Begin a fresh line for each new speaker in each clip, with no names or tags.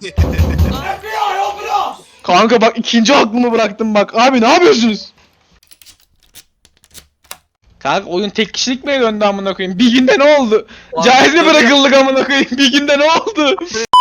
Kanka bak ikinci aklımı bıraktım bak. Abi ne yapıyorsunuz? Kanka oyun tek kişilik mi döndü amına koyayım? Bir günde ne oldu? Caiz mi bırakıldık amına koyayım? Bir günde ne oldu?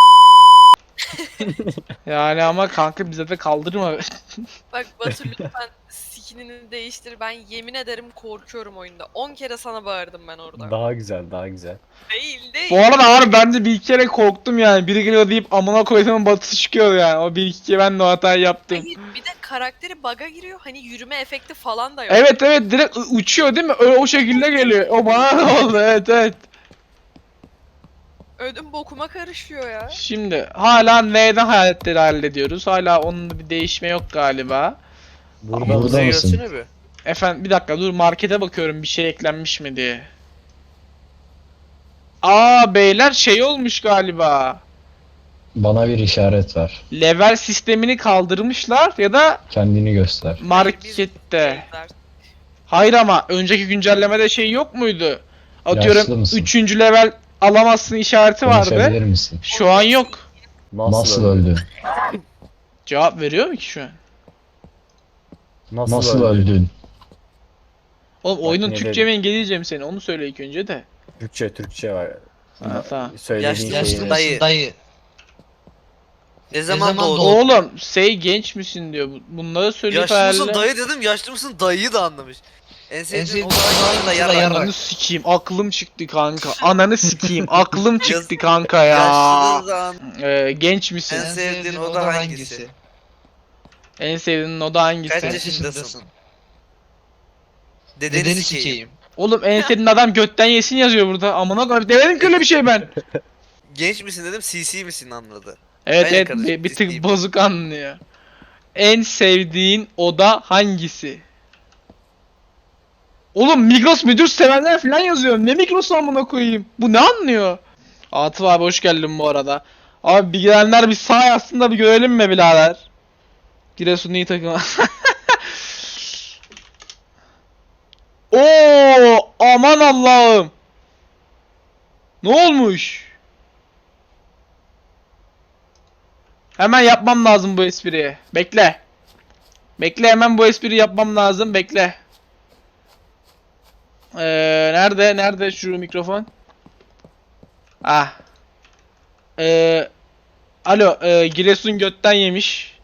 Yani ama kanka bize de kaldırma.
Bak Batu lütfen skinini değiştir. Ben yemin ederim korkuyorum oyunda. 10 kere sana bağırdım ben orada.
Daha güzel, daha güzel.
Değil değil.
Bu arada abi ben de bir iki kere korktum yani. Biri geliyor deyip amına koyduğumun batısı çıkıyor yani. O bir iki kere ben de o hatayı yaptım.
Hayır bir de karakteri bug'a giriyor. Hani yürüme efekti falan da yok.
Evet evet direkt uçuyor değil mi? Öyle o şekilde geliyor. O bana ne oldu? Evet evet.
Ödüm bokuma karışıyor ya.
Şimdi hala neyden hayaletleri hallediyoruz? Hala onun da bir değişme yok galiba.
Burada
Burada mısın?
Gelsene bir.
Efendim bir dakika dur markete bakıyorum bir şey eklenmiş mi diye. Aa beyler şey olmuş galiba.
Bana bir işaret ver.
Level sistemini kaldırmışlar ya da
Kendini göster.
markette.
Şeyler.
Hayır ama önceki güncellemede şey yok muydu?
Yaşlı
Atıyorum
mısın?
3. level alamazsın işareti
Konuşabilir
vardı.
misin?
Şu an yok.
Nasıl öldün?
Cevap veriyor mu ki şu an?
Nasıl öldün?
Oğlum oyunun
ne
Türkçe
dedim?
mi İngilizce mi senin? Onu söyle ilk önce de.
Türkçe var.
Ha, tamam.
Söylediğin
Yaşlı
şeyi.
dayı.
Dayı.
Ne zaman doğdun?
Oğlum genç misin diyor. Bunları söyleyip
Yaşlı mısın
herhalde.
dayı dedim, yaşlı mısın dayıyı da anlamış. En sevdiğin
sevdiğin
o da yarrak.
Ananı sikeyim aklım çıktı kanka. Ananı sikeyim aklım çıktı kanka ya.
Yaşlı da an.
Genç misin?
En sevdiğin oda hangisi?
En sevdiğin oda hangisi?
Kaç yaşındasın? Dedeni
Dedeni
sikeyim.
sikeyim.
Oğlum en sevdiğin adam götten yesin yazıyor burada. Amına koyayım demedim ki öyle bir şey ben.
Genç misin dedim, CC misin anladı.
Evet
Aynen
evet
kardeşim,
bir tık
ciddiyim.
bozuk anlıyor. En sevdiğin oda hangisi? Oğlum Migros müdür sevenler falan yazıyor. Ne Migros amına koyayım? Bu ne anlıyor? Atıf abi hoş geldin bu arada. Abi bir gelenler bir sağ yazsın da bir görelim mi birader? Giresun iyi takım. Oo aman Allah'ım. Ne olmuş? Hemen yapmam lazım bu espriyi. Bekle. Bekle hemen bu espriyi yapmam lazım. Bekle. Nerede şu mikrofon? Ah. Alo, Giresun götten yemiş.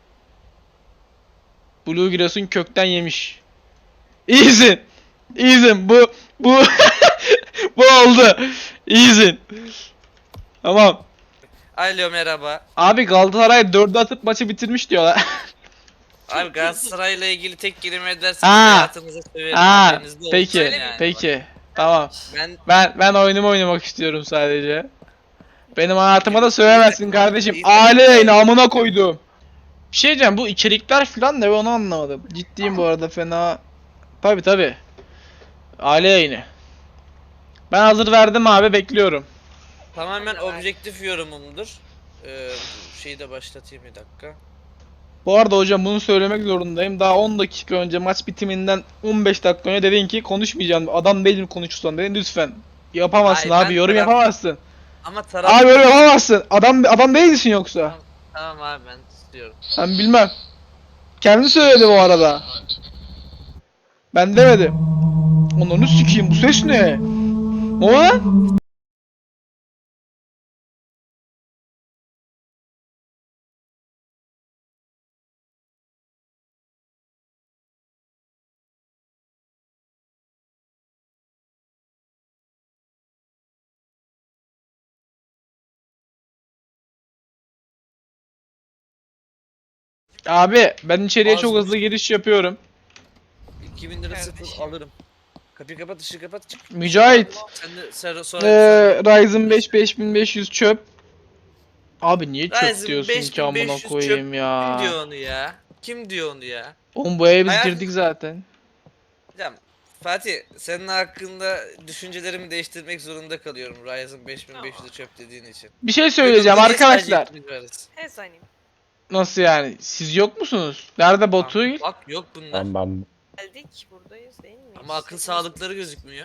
Blue Giresun kökten yemiş. İyisin. İyisin. Bu bu oldu. İyisin. Tamam.
Alo merhaba.
Abi Galatasaray 4'e atıp maçı bitirmiş diyorlar.
Abi Galatasaray'la ilgili tek kelime ederseniz
Ha.
hayatınızı severim.
Ha,
Haberiniz de olsun
peki.
yani.
Peki. Tamam.
Ben
Ben oyunumu oynamak istiyorum sadece. Benim hayatıma da söylemezsin kardeşim.
İyi
Aile
takım.
yayını amına koydum. Bir şey diyeceğim bu içerikler falan ne ben onu anlamadım. Ciddiyim bu arada fena. Tabi. Aile yayını. Ben hazır verdim abi bekliyorum.
tamamen objektif yorumumdur. Şeyi de başlatayım bir dakika.
Bu arada hocam bunu söylemek zorundayım. Daha 10 dakika önce maç bitiminden 15 dakika önce dedin ki konuşmayacağım. Adam değilim konuşursan dedin lütfen. Yapamazsın
Ay,
abi
ben
yorum
taraf-
yapamazsın.
Ama taraf...
Abi yorum yapamazsın. Adam değilsin yoksa.
Tamam abi ben istiyorum.
Ben bilmem. Kendi söyledi bu arada. Ben demedim. Onu sikeyim bu ses ne? O lan? Abi ben içeriye çok
Ağzını
hızlı giriş yapıyorum.
2000 lira sıfır alırım. Kapıyı kapat, ışığı kapat, çık.
Mücahit.
Sen de sonra
Ryzen 5 5500 çöp. Abi niye çöp
Ryzen
diyorsun ki amına
5500
koyayım
çöp.
ya.
Kim diyor onu ya? Kim diyor onu ya?
Oğlum bu eve biz
Hayal-
girdik zaten.
Hocam Fatih, senin hakkında düşüncelerimi değiştirmek zorunda kalıyorum Ryzen 5500 çöp dediğin için.
Bir şey söyleyeceğim
Google'da niye
arkadaşlar.
sadece ikimiz varız?
He sanayım.
Nasıl yani? Siz yok musunuz? Nerede Batu?
Bak yok bunlar.
Ben
Geldik buradayız değil mi?
Ama akıl sağlıkları gözükmüyor.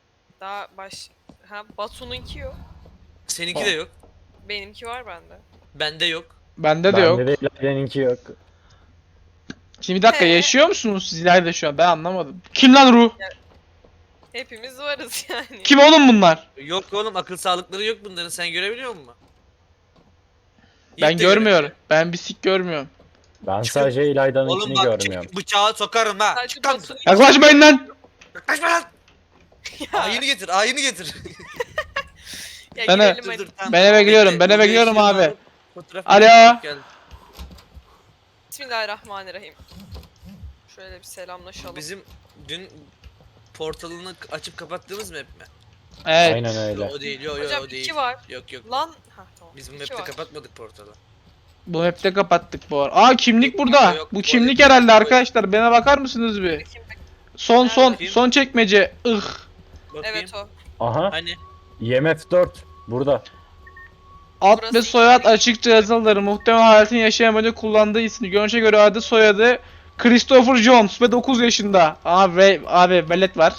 Daha baş... Ha Batu'nunki yok.
Seninki de yok.
Benimki var bende.
Bende yok.
Bende de yok.
Bende de İlayda'nınki yok.
Şimdi bir dakika yaşıyor musunuz siz ileride şu an? Ben anlamadım. Kim lan Ruh?
Hepimiz varız yani.
Kim oğlum bunlar?
Yok oğlum, akıl sağlıkları yok bunların, sen görebiliyor musun?
Ben
Hiç de
görmüyorum.
göremiyorum.
Ben bir sik görmüyorum.
Ben
Çıkın.
sadece
Oğlum
İlayda'nınkini
bak,
görmüyorum.
bıçağı sokarım ha.
Sadece
Çıkan.
Batu'nun-
Yaklaşmayın lan.
Yaklaşma lan.
Ya,
Ayını getir, ayını getir.
ya
Ben-
girelim
Dur,
hadi.
dur, tamam,
Ben
tamam,
eve gidiyorum,
bekle.
ben eve
Dur,
gidiyorum
yaşını
abi.
alıp fotoğraf
Alo.
çekip gel.
Bismillahirrahmanirrahim. Şöyle bir selamlaşalım.
Bizim dün portalını açıp kapattığımız map mi?
Evet.
Aynen öyle.
O değil, yok
Hocam
o değil.
2 var.
Yok yok.
Lan. Ha tamam.
Biz bu
İki
map'te
var.
kapatmadık portalı.
Bu hepte kapattık bu ara. Aa kimlik burada.
Yok,
Bu
bu
kimlik
arada-
herhalde arkadaşlar. Bana bakar mısınız bir?
Bakayım.
Son
Bakayım.
son çekmece.
Bakayım.
Evet o.
Aha.
Hani?
IMF 4 burada.
Ad
Burası
ve
iki.
soyad açıkça yazılıdır. Muhtemel hayatını yaşayamaca kullandığı ismi. Görünüşe göre adı soyadı Christopher Jones ve 9 yaşında. Abi velet var.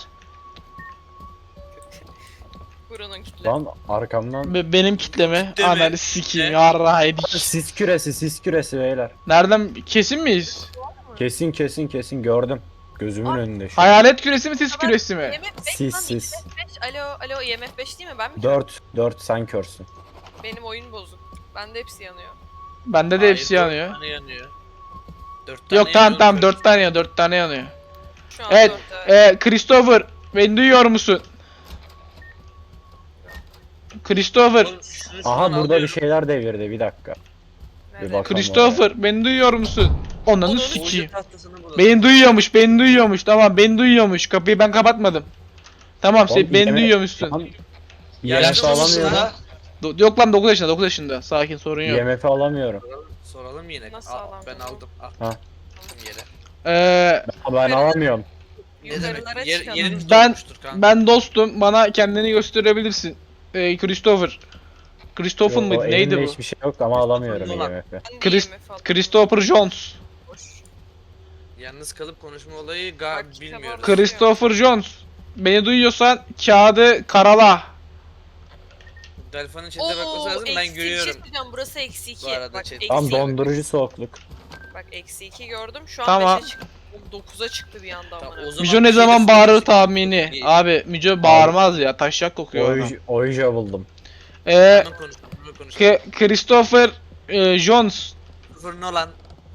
Buranın kitle.
Lan arkamdan.
Benim kitleme.
Kitle mi?
Ananı sikeyim.
Ne?
Yarra yedik.
Sis küresi beyler.
Nereden kesin miyiz?
Kesin gördüm. Gözümün
Aa.
önünde şu.
Hayalet küresi mi sis küresi mi?
IMF 5
Sis,
lan,
sis.
IMF 5. Alo IMF 5 değil mi? Ben mi?
4 sen körsün.
Benim oyun bozuk. Bende hepsi yanıyor.
Bende de
Hayır,
hepsi
dört
yanıyor.
tane yanıyor. 4 tane
Yok tamam
yanıyor,
tamam
dört.
4 tane yanıyor 4 tane yanıyor.
Şu an
Evet
4'te.
Christopher beni duyuyor musun? Christopher
Oğlum, şunu şu an
Aha burada
alıyorum.
bir şeyler devirdi bir dakika.
Nerede?
bak.
Christopher beni duyuyor musun? Onanı
Onu-
sikeyim.
Oyuncu tahtasını bulalım.
Beni duyuyormuş tamam beni duyuyormuş kapıyı ben kapatmadım. Tamam sen
Oğlum,
beni
IMF
duyuyormuşsun.
Tamam.
Yaşlı
IMF
mısın
alamıyorum.
ha?
Yok lan 9 yaşında 9 yaşında sakin sorun yok.
IMF'i alamıyorum.
Soralım yine.
Nasıl
Al,
alalım?
ben aldım. Al.
Ha.
Aldım yere.
Ben alamıyorum.
Ne demek?
Yukarılara
Yer,
çıkalım.
yerimiz
Ben-
dolmuştur kanka.
Ben dostum bana kendini gösterebilirsin. Christopher. Christopher
Yok,
mıydı
o
neydi
elimde
bu?
hiçbir şey yok ama alamıyorum
Nolan.
IMF'i.
Ben de
Chris-
IMF aldım.
Christopher Jones.
Boş.
Yalnız kalıp konuşma olayı
Bak,
bilmiyoruz.
tamam.
Christopher Jones. Beni duyuyorsan kağıdı karala.
Delfan'ın chat'e bakması lazım, ben
Bir
görüyorum.
şey söyleyeceğim. Burası eksi 2.
Bu arada
Bak
chat.
eksi
Tam
2.
dondurucu soğukluk.
Bak eksi 2 gördüm. Şu an
Tamam.
5'e çıktı. 9'a çıktı bir anda
Tamam,
amına.
o zaman
Müco
bir
ne
şey de
zaman bağırır
söyleyecek.
tahmini.
İyi.
Abi Müco bağırmaz ya taşak kokuyor adam.
Oija buldum.
Bunu konuşalım.
Christopher Jones.
Christopher Nolan.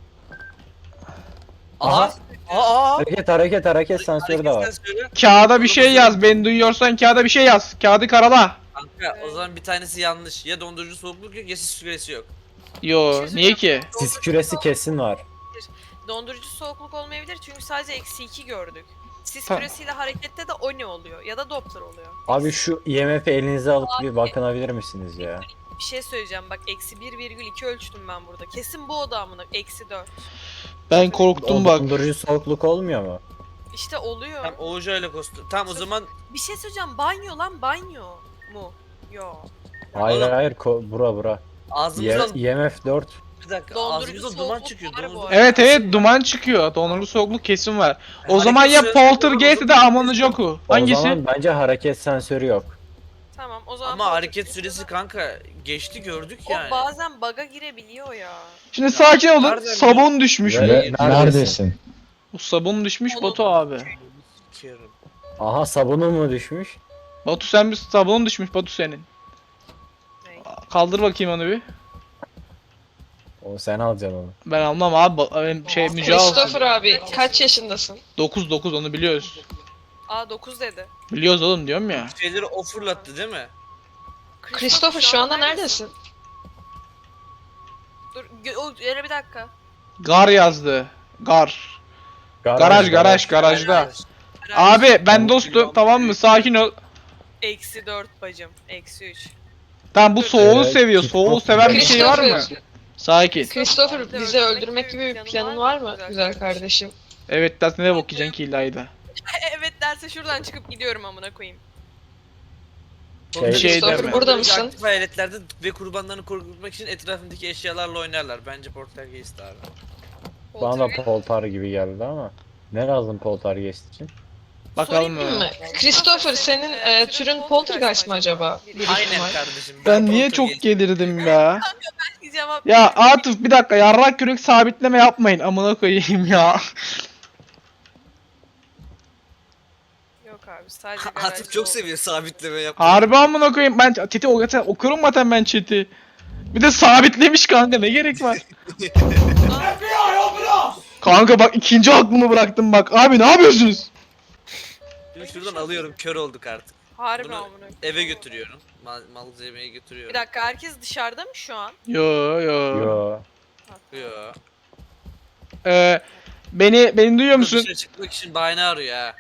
Aha.
Aa.
Hareket sensörü de var.
Sen söyle.
Kağıda bir şey yaz. Beni duyuyorsan kağıda bir şey yaz. Kağıdı karala.
Kanka o zaman bir tanesi yanlış. Ya dondurucu soğukluk yok ya sis süresi yok.
Yo niye ki?
Sis küresi kesin var.
Dondurucu soğukluk olmayabilir çünkü sadece eksi 2 gördük. Sis
Tamam.
küresiyle harekette de o ne oluyor ya da Doppler oluyor.
Abi şu IMF'i elinize alıp bir bakınabilir misiniz ya?
Bir şey söyleyeceğim bak eksi 1,2 ölçtüm ben burada. Kesin bu oda amına eksi 4.
Ben korktum
O
bak.
dondurucu soğukluk olmuyor mu?
İşte oluyor.
Tam Oğuz'a ile kostüm. Tamam o zaman
Bir şey söyleyeceğim banyo lan banyo mu? Yo.
Hayır
Oğlum.
hayır bura.
ağzımızdan
IMF 4.
bir dakika
Dondurucu
ağzımızdan duman
soğukluk
çıkıyor.
var bu
Dondurucu-
arada.
Evet duman çıkıyor. Dondurucu soğukluk kesin var. O
Hareket
zaman ya
süresi-
Poltergeist ya da Amonojoku.
O
Hangisi?
zaman bence hareket sensörü yok.
Tamam o zaman.
Ama hareket süresi kanka geçti gördük
O
yani.
bazen bug'a girebiliyor ya.
Şimdi sakin olun.
nereden
Sabun düşmüş mü?
Nerede-
Neredesin?
Bu sabun düşmüş
Onu-
Batu abi.
Sikerim.
Aha sabunun mu düşmüş?
Batu sen bir sabunun düşmüş Batu senin.
Ne?
Kaldır bakayım onu bir.
O sen alacaksın onu.
Ben almam abi. Benim şey Müce alsın.
Christopher abi kaç yaşındasın?
9 onu biliyoruz.
Aa 9 dedi.
Biliyoruz oğlum diyorum ya.
Şeyleri o fırlattı değil mi?
Christopher şu anda neredesin?
Dur o yere bir dakika.
Gar yazdı. Gar. Garajda.
Garaj.
Abi ben dostum tamam mı? Sakin ol.
Eksi 4 bacım. Eksi 3.
Tamam bu soğuğu
Evet,
seviyor.
TikTok.
Soğuğu seven bir şey var mı?
Christopher,
Sakin.
Christopher bizi öldürmek gibi bir planın var mı güzel kardeşim?
Evet dersin ne bakacaksın ki İlayda.
Evet derse şuradan çıkıp gidiyorum amına koyayım.
Şey
Christopher
deme.
burada mısın?
Aktif hayaletlerde ve kurbanlarını korkutmak için etrafındaki eşyalarla oynarlar. Bence Poltergeist abi.
Bana da poltar gibi geldi ama. Ne lazım poltergeist için?
Bakalım
Sorayım
mı?
mı? Christopher senin türün poltergeist mi acaba? Bir
Aynen
ihtimal.
kardeşim.
Ben niye çok
Poltergeist-
gelirdim ya?
cevap
Ya
veriyorum.
Atıf bir dakika yarrak kürek sabitleme yapmayın amına koyayım ya.
Yok abi sadece garajda
Atıf çok
oldu.
seviyor sabitleme yapmayı.
Harbi amına koyayım ben chat'i okurum zaten ben chat'i. Bir de sabitlemiş kanka ne gerek var? Kanka bak ikinci aklımı bıraktım bak. Abi ne yapıyorsunuz?
Şimdi şuradan alıyorum kör olduk artık.
Harbi
Bunu
amına koyayım.
eve götürüyorum. Malzemeyi götürüyorum.
Bir dakika herkes dışarıda mı şu an?
Yo.
Yo.
Yo.
Beni duyuyor musun?
Dışarı çıkmak için bahane arıyor ha.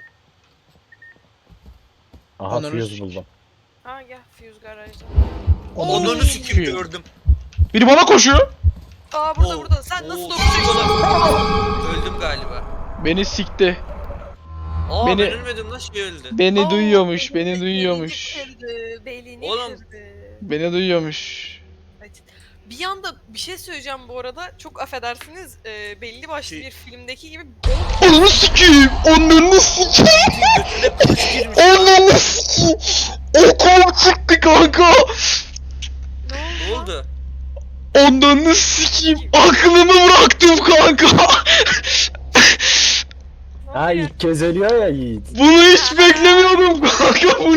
Aha
Ananı
fuse
sikeyim.
buldum.
Ha gel Fuse garajda.
Onunu sikim gördüm.
Biri bana koşuyor.
Aa burada
Oo,
burada. Sen nasıl
oo,
dokunuyorsun?
Öldüm galiba.
Beni sikti.
Aa
Beni-
ben ölmedim lan şey öldü.
Beni
Aa,
duyuyormuş,
belini
beni duyuyormuş.
kırdı, belini
Oğlum.
kırdı.
Beni duyuyormuş.
Evet. Bir anda bir şey söyleyeceğim bu arada. Çok affedersiniz. Belli başlı
Şey-
bir filmdeki gibi
Ananı sikeyim! Ananı sikeyim!
Götüne kılıç girmiş.
Ananı sikeyim! Okum çıktı kanka!
Ne oldu?
Ananı sikeyim! Aklımı bıraktım kanka!
Ha ilk kez ölüyor ya Yiğit.
Bunu hiç beklemiyordum kanka bu ne?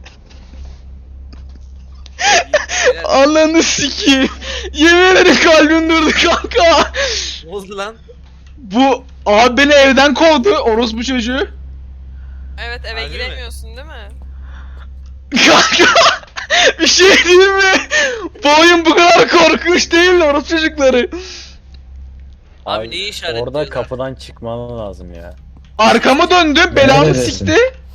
Beyler,
Ananı sikeyim! Yemin ederim kalbim durdu kanka!
Ne oldu lan?
Bu abi beni evden kovdu orospu çocuğu.
Evet eve
Harbi mi?
giremiyorsun değil mi?
Kanka bir şey diyeyim mi? Bu oyun bu kadar korkunç değil orospu çocukları.
Abi neyi işaretliyorlar?
Orada kapıdan çıkman lazım ya.
Arkamı döndü belamı
Neredesin?
sikti.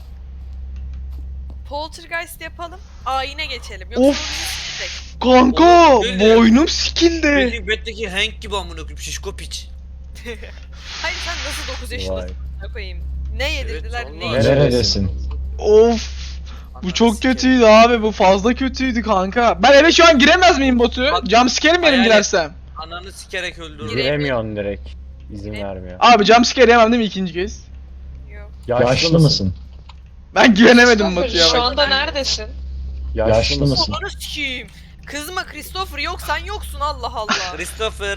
Poltergeist yapalım. Ayine geçelim. Yoksa
Of.
bu bizi sikecek.
Kanka
Oğlum, öyle.
boynum sikildi.
Breaking Bad'deki Hank gibi amına koyayım şişko piç.
Hayır sen nasıl 9
Vay.
yaşındasın? Ne koyayım? Ne yedirdiler?
Evet,
ne
vallahi.
yedirdiler?
Neredesin?
Of bu
Ananı
çok
sikeyim.
kötüydü abi bu fazla kötüydü kanka. Ben eve şu an giremez miyim Batu?
Bak,
Jumpscare mi yerim
hayal et.
girersem?
Ananı sikerek öldürdüm.
Giremiyorsun direkt. İzin vermiyor.
Abi jumpscare yemem değil mi ikinci kez?
Yok.
Yaşlı mısın?
Ben güvenemedim
Christopher,
Batu'ya
şu
bak.
anda neredesin?
Yaşlı mısın?
Ananı sikeyim. Kızma Christopher yok sen yoksun Allah Allah.
Christopher.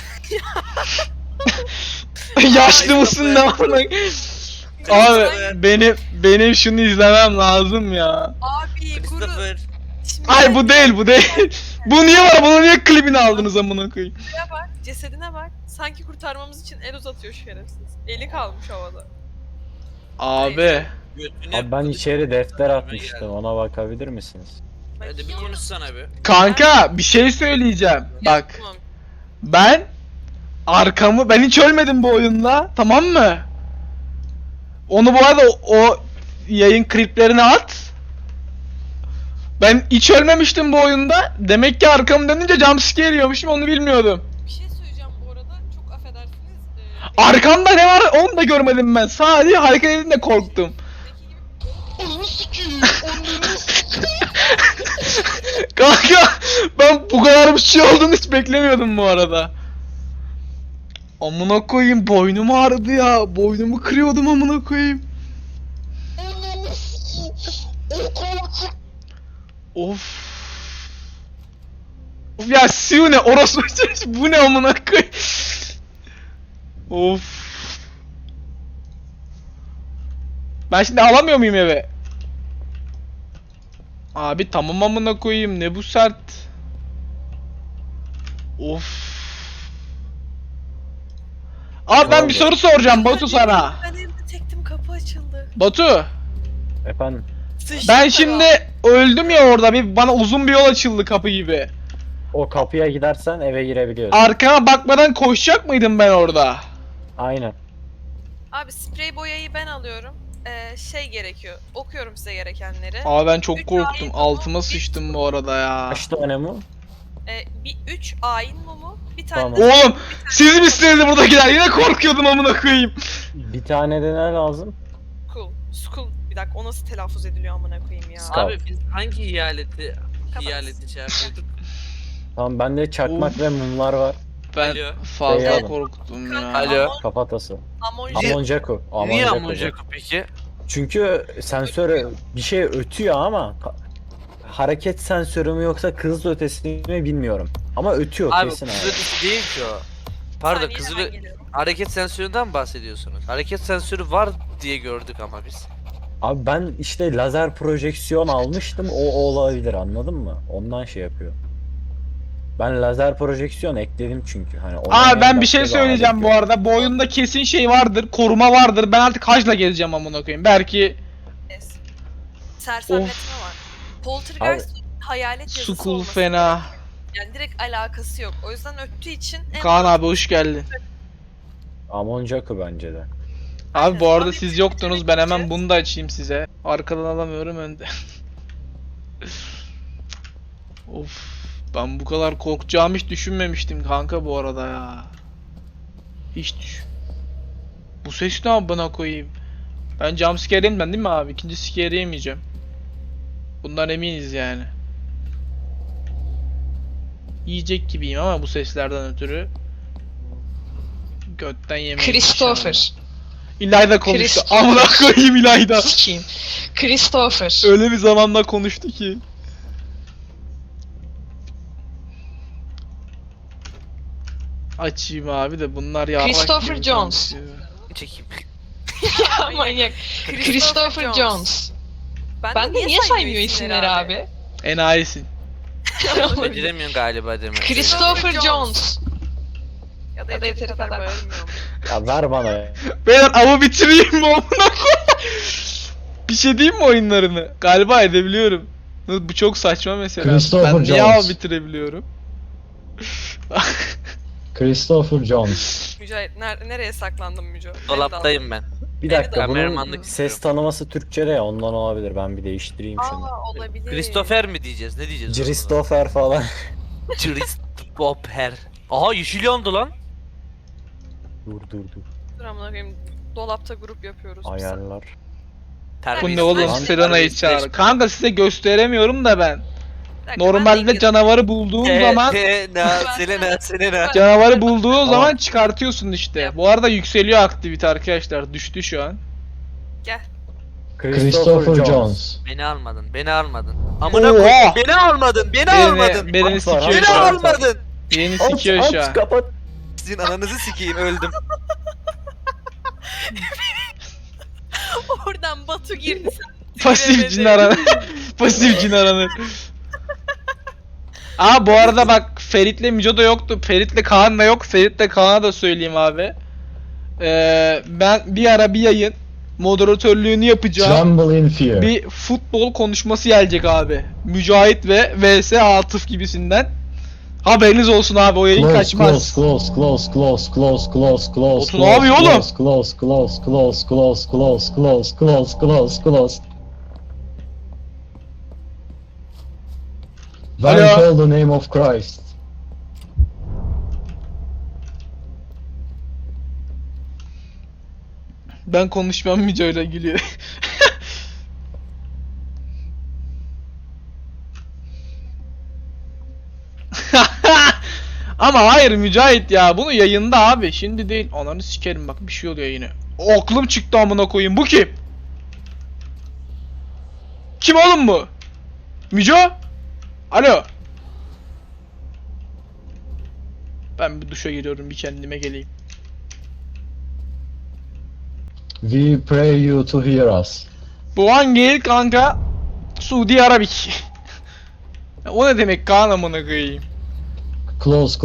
Yaşlı mısın ne var lan? Abi benim şunu izlemem lazım ya.
Abi kuru.
Christopher.
Şimdi
Ay bu değil bu değil. Bu niye var? Bunu niye klibini aldınız amına koyayım?
cesedine bak. Cesedine bak. Sanki kurtarmamız için el uzatıyor şerefsiz. Eli kalmış havada.
Abi.
Götüne
Abi ben
kılıç
içeri
girmiş,
defter
geldi.
atmıştım. Ona bakabilir misiniz?
Hadi bir konuşsana be.
Kanka bir şey söyleyeceğim. Bak
Tamam.
ben hiç ölmedim bu oyunda. Tamam mı? Onu bu arada o yayın kliplerini at. Ben hiç ölmemiştim bu oyunda. Demek ki arkamı dönünce jumpscare yiyormuşum onu bilmiyordum.
Bir şey söyleyeceğim bu arada. Çok affedersiniz.
Arkamda ne var onu da görmedim ben. Sadece hareket edince korktum. Kanka ben bu kadar bir şey olduğunu hiç beklemiyordum bu arada. Amına koyayım boynum ağrıdı ya. Boynumu kırıyordum amına koyayım. Of. Of ya Siu ne orası bu ne amına koyayım. Of. Ben şimdi alamıyor muyum eve? Abi tamam amına koyayım ne bu sert. Of. Abi ben bir soru soracağım Batu sana.
Ben evde tektim kapı açıldı.
Batu
Efendim?
Sıçtım
ben
tabii.
şimdi öldüm ya orada bir bana uzun bir yol açıldı kapı gibi.
O kapıya gidersen eve girebiliyorsun.
Arkama bakmadan koşacak mıydım ben orada?
Aynen.
Abi sprey boyayı ben alıyorum. Şey gerekiyor. Okuyorum size gerekenleri.
Abi ben çok
Üç
korktum
ayin
altıma
mumu,
sıçtım bu arada ya.
Kaç tane mu?
Bir 3 ayin mumu, bir tane
Tamam.
de
Oğlum siz misiniz buradakiler yine korkuyordum amına koyayım.
Bir tane de ne lazım?
Skull. Bir dakika o nasıl telaffuz ediliyor amına koyayım ya.
Skull.
Abi biz hangi
Kapat.
eyaleti şey yapıyorduk?
Tamam bende çakmak
Of.
ve mumlar var.
Ben
Alo.
fazla
Eyvallah.
korktum ya.
Alo.
Kafatası.
Amonji.
Amonjaku.
Niye
Amonjaku.
Amonjaku peki?
Çünkü sensör bir şey ötüyor ama hareket sensörü mü yoksa Kızıl Ötesi mi bilmiyorum. Ama ötüyor
Abi
kesin
kızıl
abi.
ötesi değil ki o. Pardon
Saniye,
kızıl
hemen geliyorum.
hareket sensöründen mi bahsediyorsunuz? Hareket sensörü var diye gördük ama biz.
Abi ben işte lazer projeksiyon almıştım, o olabilir, anladın mı? Ondan şey yapıyor. Ben lazer projeksiyon ekledim çünkü hani
Abi ben bir
başka
şey söyleyeceğim
alet
bu
yok.
arada. Bu oyunda kesin şey vardır, koruma vardır. Ben artık hacla gezeceğim amına koyayım. Belki
Yes. Sersemletme var. Poltergeist hayalet yazısı
Sukul
olması
fena.
gerekiyor. Yani direkt alakası yok. O yüzden öttüğü için en
Kaan abi hoş geldin.
Amoncaku bence de.
Abi bu
Aynen.
arada
Abi
siz
biz
yoktunuz. Ben hemen
gideceğiz.
bunu da açayım size. Arkadan alamıyorum önde. Of. Ben bu kadar korkacağımı hiç düşünmemiştim kanka bu arada ya. Hiç düş. Bu ses ne amına koyayım? Ben jumpscare yemem değil mi abi? İkinci scare yemeyeceğim. Bundan eminiz yani. Yiyecek gibiyim ama bu seslerden ötürü. Götten yemeyiz.
Christopher.
İlayda konuştu.
Christopher.
Amına koyayım İlayda.
Sikiyim. Christopher.
Öyle bir zamanda konuştu ki. Açayım abi de bunlar ya.
Christopher Jones.
Çekeyim.
Ya manyak. Christopher Jones. Ben de niye saymıyor isimleri abi?
Enayisin.
Beceremiyorsun galiba demek.
Christopher Jones.
Ya da
Ya da
yeteri kadar
kadar.
bağırmıyorum.
Ya ver bana.
Beyler avı bitireyim mi amına koyayım? Bir şey diyeyim mi oyunlarını? Galiba edebiliyorum. Bu çok saçma mesela.
Christopher
Ben niye
Jones.
av bitirebiliyorum?
Christopher Jones.
Mücahit nereye saklandın Müco?
Dolaptayım ben.
Bir dakika, bunun
kameramanlık
ses
istiyorum.
tanıması Türkçe'de ya, ondan olabilir. Ben bir değiştireyim şunu.
Aa olabilir.
Christopher mi diyeceğiz? Ne diyeceğiz?
Christopher falan.
Christopher. Aha yeşil yandı lan.
Dur.
Dur amına koyayım. Dolapta grup yapıyoruz. biz.
Ayarlar.
Bu
Terbiyesiz.
ne oğlum?
Lan-
Serena'yı çağır. Kanka size gösteremiyorum da ben.
Bir dakika, ben de
Normalde
İngiliz-
canavarı bulduğun zaman
Selena.
canavarı bulduğun
Tamam.
zaman çıkartıyorsun işte. Bu arada yükseliyor aktivite arkadaşlar. Düştü şu an.
Gel.
Christopher Jones.
Beni almadın. Amına koyayım.
Oha!
Beni almadın. Beni almadın.
Beni
At var,
sikiyor
Beni
şu an.
almadın.
Beni sikiyor şu an.
Kapat.
Sizin ananızı sikeyim öldüm.
Oradan Batu girdi sen.
Pasif cin aranı. Pasif cin aranı. Aa bu arada bak Ferit'le Mico da yoktu. Ferit'le Kaan da yok. Ferit'le Kaan'a da söyleyeyim abi. Ben bir ara bir yayın moderatörlüğünü yapacağım.
Tremble in Fear.
Bir futbol konuşması gelecek abi. Mücahit ve vs Atıf gibisinden. Haberiniz olsun abi, o yayın
Close,
kaçmaz.
close.
Otu ne yapıyor oğlum?
Close. When
Alo.
call the name of Christ.
Ben konuşmam, Mücahit'e gülüyor. Ama hayır Mücahit ya, bunu yayında abi, şimdi değil. Ananı sikerim bak, bir şey oluyor yine. Aklım çıktı amına koyayım, bu kim? Kim oğlum bu? Müco? Alo. Ben bir duşa giriyorum, bir kendime geleyim.
We pray you to hear us.
Bu hangi el kanka? Suudi Arabik. O ne demek Kaan amına koyayım?
Close.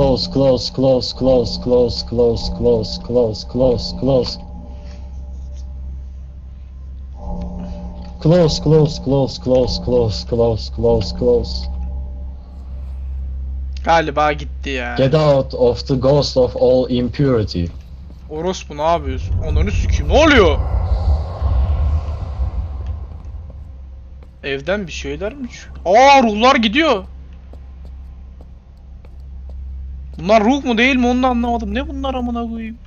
Galiba gitti ya.
Get out of the ghost of all impurity.
Orospu ne yapıyorsun? Ananı sikeyim, ne oluyor? Evden bir şeyler mi çıkıyor? Aa, ruhlar gidiyor. Bunlar ruh mu değil mi onu da anlamadım. Ne bunlar amına koyayım?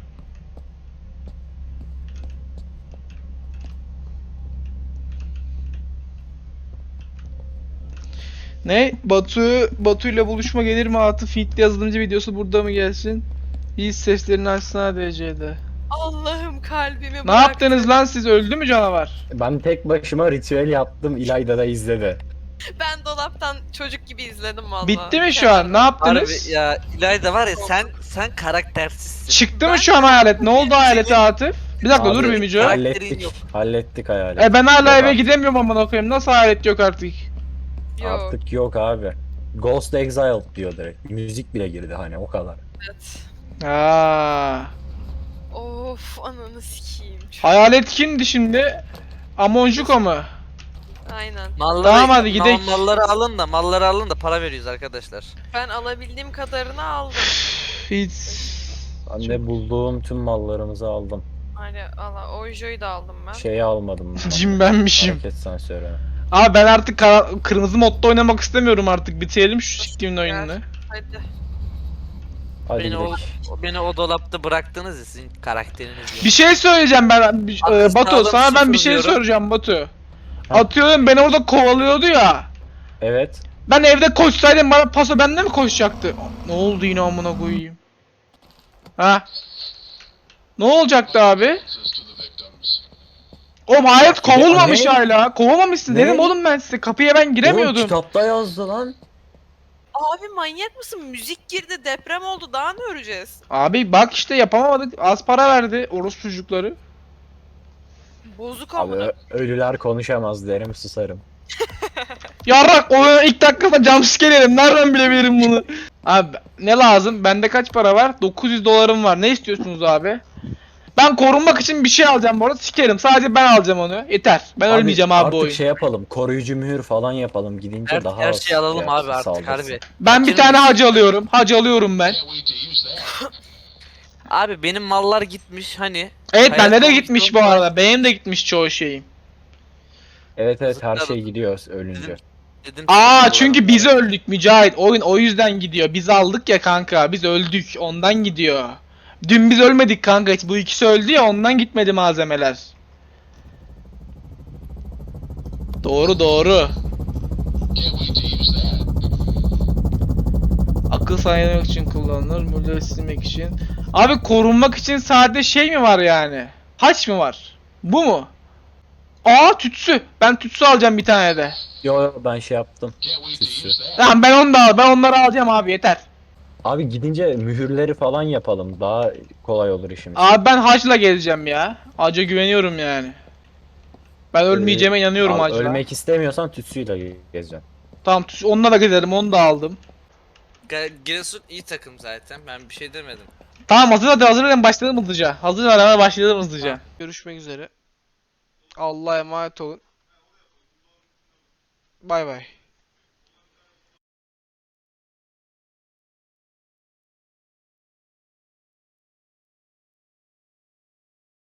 Ne? Batu ile buluşma gelir mi? Atıf Fitli yazılımcı videosu burada mı gelsin? İyi seslerini açsana DC'de.
Allah'ım kalbimi
Ne
bıraktı.
yaptınız lan siz? Öldü mü canavar?
Ben tek başıma ritüel yaptım, İlayda da izledi.
Ben dolaptan çocuk gibi izledim valla.
Bitti mi şu an? Ne yaptınız?
Harbi ya İlayda var ya sen karaktersizsin.
Çıktı mı şu an hayalet? Ne oldu hayalete Atıf? Bir dakika dur
Abi,
bir Mico.
Hallettik.
Yok.
Hallettik hayaleti.
Ben hala
Yok
eve
abi.
gidemiyorum amına koyayım. Nasıl hayalet yok artık?
Yok.
Artık yok abi. Ghost Exiled diyor direkt. Müzik bile girdi hani o kadar.
Evet.
Aa.
Of ananı sikeyim.
Hayalet kimdi şimdi? Amonjuko mu?
Aynen.
Malları,
Tamam, hadi gidelim.
malları alın da para veriyoruz arkadaşlar.
Ben alabildiğim kadarını aldım.
Hiç.
Ben de bulduğum tüm mallarımızı aldım.
Hani Ojo'yu da aldım ben.
Şeyi almadım. ben.
Cin benmişim.
Hareket sensörü.
Abi ben artık kırmızı modda oynamak istemiyorum artık. Bitirelim şu siktimin oyununu.
Hadi.
Hadi
Beni o dolapta bıraktınız ya sizin karakteriniz yok.
Bir şey söyleyeceğim ben Batu,
sağlam
sana ben bir şey
sıfırlıyorum.
soracağım Batu. Atıyorum beni orada kovalıyordu ya.
Evet.
Ben evde koşsaydım bana paso bende mi koşacaktı? Ne oldu yine amına koyayım? Ha? Ne olacaktı abi? Oğlum hayat kovulmamış
Ne?
hala. Kovulmamışsın
Ne?
dedim oğlum ben size. Kapıya ben
Oğlum
giremiyordum.
kitapta yazdı lan.
Abi manyak mısın? Müzik girdi, deprem oldu. Daha ne öreceğiz?
Abi bak işte yapamadık. Az para verdi orospu çocukları.
Bozuk
Abi
amına.
ölüler konuşamaz derim susarım.
Yarrak oyunun ilk dakikada jumpscare yedim. Nereden bilebilirim bunu? Abi ne lazım? Bende kaç para var? 900 dolarım var. Ne istiyorsunuz abi? Ben korunmak için bir şey alacağım bu arada. Sikerim. Sadece ben alacağım onu. Yeter. Ben ölmeyeceğim abi bu
artık
oyun.
şey yapalım. Koruyucu mühür falan yapalım. Gidince
Her,
daha
her
az
şeyi alalım
şey
abi
yapsın,
artık
saldırsın.
harbi.
Ben bir tane hacı alıyorum. Hacı alıyorum ben.
Abi benim mallar gitmiş hani.
Evet
Hayat
bende de
olmuş,
gitmiş
olmuş.
bu arada. Benim de gitmiş çoğu şeyim.
Evet her
Zıpladım.
şey gidiyor ölünce.
Dedim
Aa çünkü biz öldük Mücahit. Oyun o yüzden gidiyor. Biz aldık ya kanka. Biz öldük. Ondan gidiyor. Dün biz ölmedik kanka. Bu ikisi öldü ya ondan gitmedi malzemeler. Doğru doğru. Akıl sağlamak için kullanılır. Mulleri silmek için. Abi korunmak için sadece şey mi var yani? Haç mı var? Bu mu? Aa tütsü. Ben tütsü alacağım bir tane de.
Yo ben şey yaptım. Süsü.
Tamam ben onu da al. Ben onları alacağım abi yeter.
Abi gidince mühürleri falan yapalım. Daha kolay olur işimiz.
Abi ben hacla geleceğim ya. Hac'a güveniyorum yani. Ben ölmeyeceğime inanıyorum
Abi
hacla.
ölmek istemiyorsan tütsüyle gezeceksin.
Tamam onunla da gidelim onu da aldım.
Giresun iyi takım zaten ben bir şey demedim.
Tamam hazır verin başlayalım hızlıca. Hazır ver başlayalım hızlıca. Görüşmek üzere. Allah'a emanet olun. Bay bay.